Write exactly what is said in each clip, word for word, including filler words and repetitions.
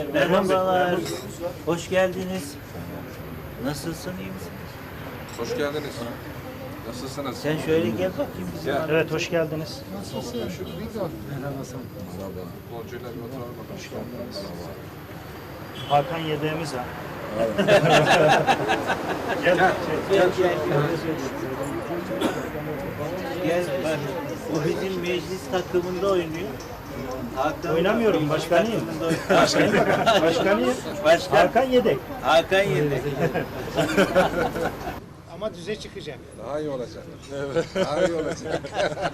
Merhabalar, hoş geldiniz. Nasılsın, iyi misin? Hoş geldiniz. Nasılsınız? Sen şöyle gel bakayım bizim Gel. Evet, hoş geldiniz. Nasılsın? Merhaba. Futbolcuyla bir oturalım bakalım. Hoş geldiniz. Hakan yedeğimiz var. Gel, gel, gel. Gel, bak. O bizim meclis takımında oynuyor. Hakan Oynamıyorum, meclis başkanıyım. takımında oynuyor. Başkanıyım. Başkan. Hakan yedek. Hakan yedek. Ama düze çıkacak. Daha iyi olacak. Evet. Daha iyi olacak.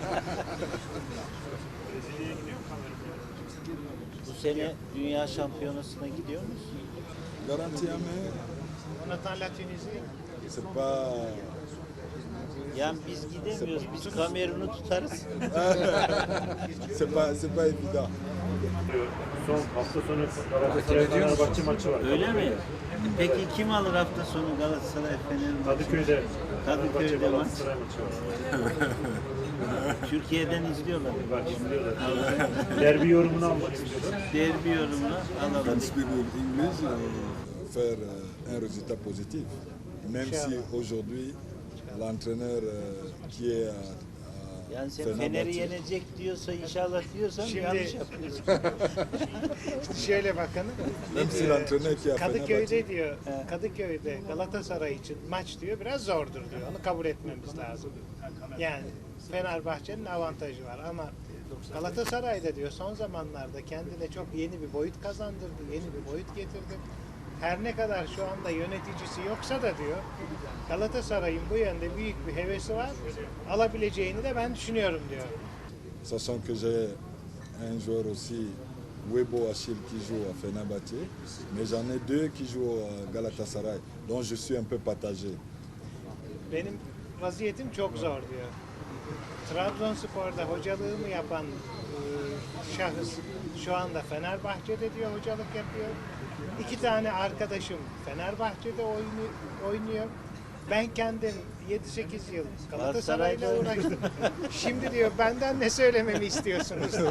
Bu sene dünya şampiyonasına gidiyor musun? Garantie à main, On attend la Tunisie. c'est pas. Yani biz gidemiyoruz, biz Kamerun'u tutarız. C'est pas, c'est pas évident. Son hafta sonu Galatasaray Fenerbahçe maçı var. Öyle mi? Peki kim alır hafta sonu Galatasaray Fenerbahçe? Kadıköy'de Kadıköy'de Fenerbahçe maç. Galatasaray maçı var. Türkiye'den izliyorlar. Bak şimdi derbi yorumunu almak istiyorlar. Derbi yorumunu Quand alalım. je speak English, euh, faire euh, un résultat positif. Même si aujourd'hui, l'entraîneur euh, qui est à, à Yani sen Fenerbahçe- Fener'i yenecek diyorsa inşallah diyorsan Şimdi- yanlış yapıyorsun. Şöyle bakın. même si l'entraîneur qui est à Fenerbahçe, Kadıköy'de diyor, Kadıköy'de Galatasaray için maç diyor biraz zordur diyor. Onu kabul etmemiz lazım. Yani Fenerbahçe'nin avantajı var ama Galatasaray'da diyor son zamanlarda kendine çok yeni bir boyut kazandırdı, yeni bir boyut getirdi. Her ne kadar şu anda yöneticisi yoksa da diyor Galatasaray'ın bu yönde büyük bir hevesi var. Alabileceğini de ben düşünüyorum diyor. sachant que j'ai un joueur aussi, Webo Achille, qui joue à Fenerbahçe, mais j'en ai deux qui jouent à Galatasaray, donc je suis un peu partagé. Benim vaziyetim çok zor diyor. Trabzonspor'da hocalığımı yapan e, şahıs şu anda Fenerbahçe'de diyor hocalık yapıyor. İki tane arkadaşım Fenerbahçe'de oyunu, oynuyor. Ben kendim yedi sekiz yıl Galatasaray'la uğraştım. Şimdi diyor benden ne söylememi istiyorsunuz diyor.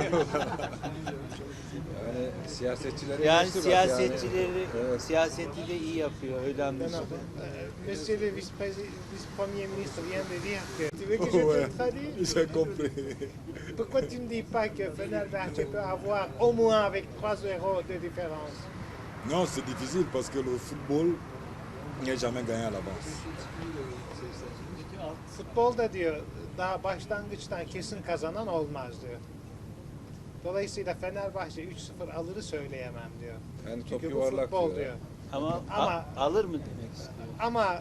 Yani siyasetçileri Yani eleştir bak siyasetçileri, Evet. siyaseti de iyi yapıyor öyle Non, anlaşılıyor. non. Euh, Monsieur le vice-président- vice-premier ministre vient de dire que tu veux que je Ouais, te traduise? j'ai compris. Pourquoi tu ne dis pas que Fenerbahçe peut avoir au moins avec trois euros de différence? Non, c'est difficile parce que le football n'est jamais gagné à l'avance. Futbolda diyor daha başlangıçtan kesin kazanan olmaz diyor. Dolayısıyla Fenerbahçe üç sıfır alırı söyleyemem diyor. Yani top Çünkü bu yuvarlak futbol diyor. diyor. Ama, Ama- a- alır mı demek istiyor? Ama e,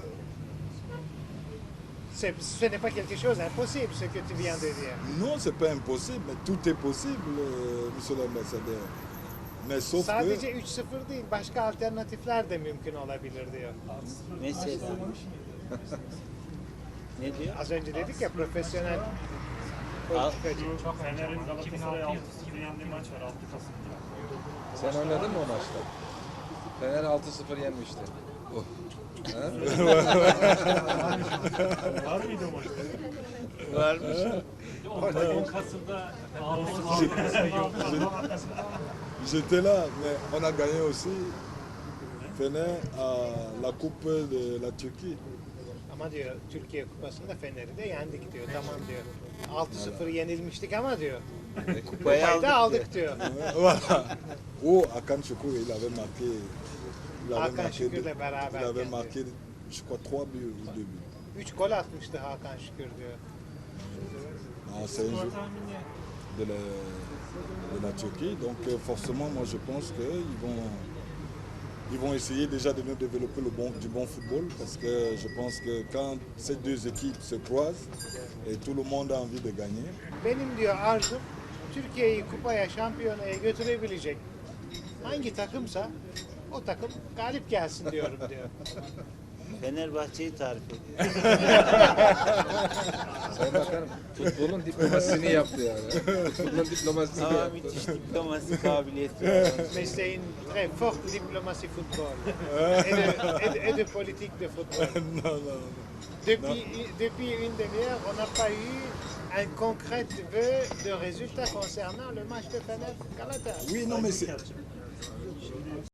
c'est- ce n'est pas quelque chose d'impossible ce que tu viens de dire. Non, c'est pas impossible, mais tout est possible, euh, monsieur l'ambassadeur. Mais sauf Sadece que üç sıfır değil, başka alternatifler de mümkün olabilir diyor. Mesela. Ne diyor? Az önce dedik ya profesyonel Al- politikacı. Fener'in Galatasaray altı sıfır yendiği maç var altı Kasım'da. Sen oynadın mı o maçta? Fener altı sıfır yenmişti. Var mıydı o maçta? Varmış. on Kasım'da j'étais là, mais on a gagné aussi Fener à la Coupe de la Turquie. Ama diyor Türkiye Kupası'nda Fener'i de yendik diyor. Tamam diyor. altı sıfır yenilmiştik ama diyor. Kupayı Kupayı aldık. da aldık diyor. Voilà. Oh, Hakan Şükür, il avait marqué. Il avait Hakan marqué, Şükür'le deux- beraber il avait geldi. marqué, je crois, trois buts ou deux buts. Üç gol atmıştı Hakan Şükür diyor. Ah, c'est un jeu de la, de la Turquie. Donc euh, forcément, moi je pense qu'ils vont, ils vont essayer déjà de nous développer le bon, du bon football parce que je pense que quand ces deux équipes se croisent et tout le monde a envie de gagner, Benim diyor arzum Türkiye'yi kupaya, şampiyonaya götürebilecek hangi takımsa o takım galip gelsin diyorum diyor. Fenerbahçe'yi tarif ediyor. Sayın Bakanım futbolun diplomasisini yaptı yani. Futbolun diplomasisini Ama yaptı. müthiş diplomasi kabiliyeti var. Mais c'est une très forte diplomatie football et de, et de, et de politique de football. non, non, non. Depuis, depuis une demi-heure, on n'a pas eu un concret vœu de résultat concernant le match de Fener Galatasaray. Oui, non, mais c'est